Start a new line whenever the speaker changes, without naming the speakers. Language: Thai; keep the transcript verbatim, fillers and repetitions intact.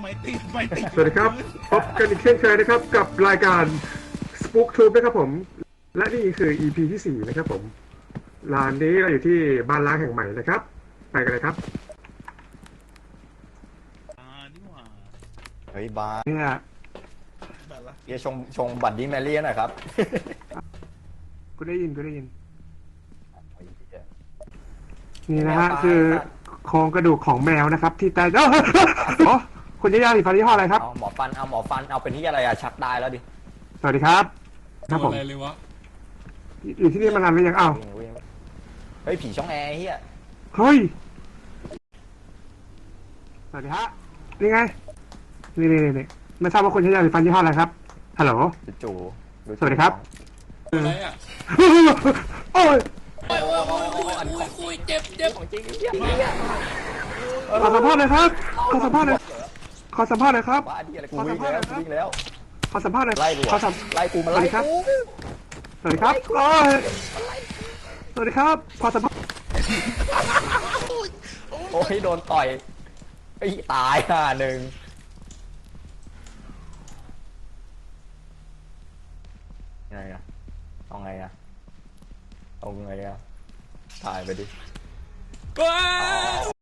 ไม่ติดไม่ติด
สวัสดีครับพบกันอีกเช่นเคยนะครับกับรายการ Spook Tube นะครับผมและนี่คือ อี พี ที่สี่นะครับผมร้านนี้เราอยู่ที่บ้านล้างแห่งใหม่นะครับไปกันเลยครับ
อ่านี่หว่า
เฮ้ยบาร์
เนี่ย
แบบละ
เฮียชงชงบัตรดี้แมรี่หน่อยครับ
กูได้ยินกูได้ยิน
ไอ้เหี้ย
นี่นะฮะ
แมวตาย
คือโครงกระดูกของแมวนะครับ ที่ตายโอ้โหคุณยายาสีฟ้ายี่ห้ออะไรครับ
เอาหมอฟันเอาหมอฟันเอาเป็นที่อะไรอะชักได้แล้วดิ
สวัสดีครับครับผม
อะไรเลยวะ
อยู่ที่นี่มานานหรือยังอ้าว
วิ่งวิ่งเฮ้ยผีช่องแอร์เฮีย
เฮ้ยสวัสดีฮะนี่ไงนี่นี่นี่ไม่ทราบว่าคุณใช้ยาสีฟันยี่ห้ออะไรครับฮัลโหล
จู่ๆ
สวัสดีครับ
อะไรอ่ะ
โอ้ย
โอ้ยโอ้ยโอ้ยโอ้ยโอ้ยโอ้ยเจ็บเจ็บ
ของจริงเฮียเฮีย
ขอสัมภาษณ์หน่อยครับขอสัมภาษณ์หน่อยขอสัมภาษณ์หน่อยครับ
บ้าดิอะไรกูวิ่งแล้วกูวิ่งแล้ว
ขอสัมภาษณ์หน่อย
ไล่กู
ขอสัม
ไล่กูมา
สวั
ไล่
สดีครับ
กู
สวัสดีครับโอ้ยสวัสดีครับขอสัมภาษณ์
โอ้ยโดนต่อยไอ้ตายห่าหนึ่งไงอะเอาไงอะเอาไงอะถ่ายไปดิ
ว้า